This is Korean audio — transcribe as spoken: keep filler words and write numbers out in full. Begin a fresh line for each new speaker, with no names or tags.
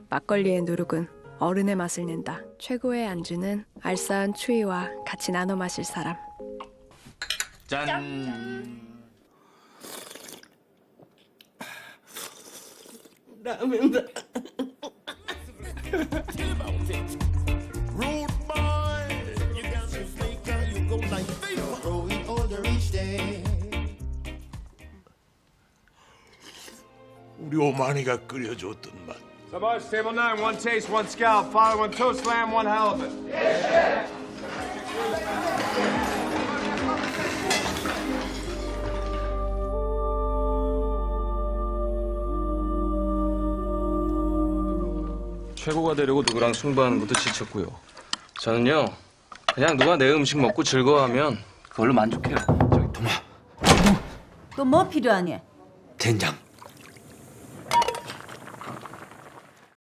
막걸리의 누룩은 어른의 맛을 낸다. 최고의 안주는 알싸한 추위와 같이 나눠 마실 사람.
짠.
라면다.
우리 오만이가 끓여줬던 맛.
Sabaj, table nine, one taste, one scalp, follow one toe slam, one halibut.
최고가 되려고 누구랑 승부하는 것도 지쳤고요. 저는요, 그냥 누가 내 음식 먹고 즐거워하면 그걸로 만족해요.
저기 도마.
또 뭐 필요하니?
된장.